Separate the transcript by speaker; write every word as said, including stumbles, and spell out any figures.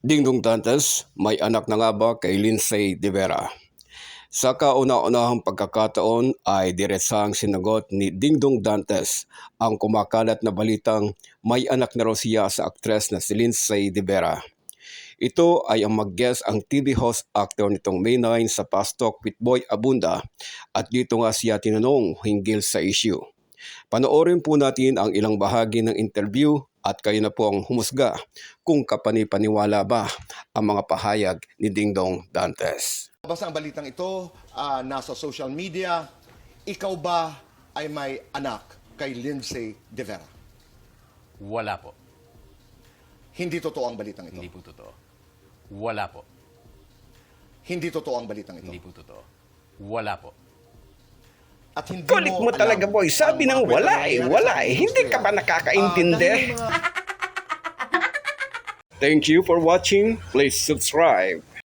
Speaker 1: Dingdong Dantes, may anak na nga ba kay Lindsay de Vera? Sa kauna-unahang pagkakataon ay diretsahang sinagot ni Dingdong Dantes ang kumakalat na balitang may anak na raw siya sa aktres na si Lindsay de Vera. Ito ay ang mag-guest ang T V host actor nitong May nine sa Fast Talk with Boy Abunda at dito nga siya tinanong hinggil sa issue. Panoorin po natin ang ilang bahagi ng interview at kayo na po ang humusga kung kapanipaniwala ba ang mga pahayag ni Dingdong Dantes.
Speaker 2: Basta ang balitang ito, ah, nasa social media, ikaw ba ay may anak kay Lindsay de Vera?
Speaker 3: Wala po.
Speaker 2: Hindi totoo ang balitang ito.
Speaker 3: Hindi po totoo. Wala po.
Speaker 2: Hindi totoo ang balitang ito.
Speaker 3: Hindi po totoo. Wala po.
Speaker 2: At hindi
Speaker 4: Kulit mo
Speaker 2: alam
Speaker 4: talaga, boy. Sabi
Speaker 2: ang
Speaker 4: ng
Speaker 2: mga
Speaker 4: wala
Speaker 2: kwentong
Speaker 4: eh,
Speaker 2: nangyayari
Speaker 4: wala
Speaker 2: sa
Speaker 4: eh. Hindi ka ba
Speaker 2: industriya.
Speaker 4: nakakaintindi?
Speaker 2: Ah, dahil mga
Speaker 1: Thank you for watching. Please subscribe.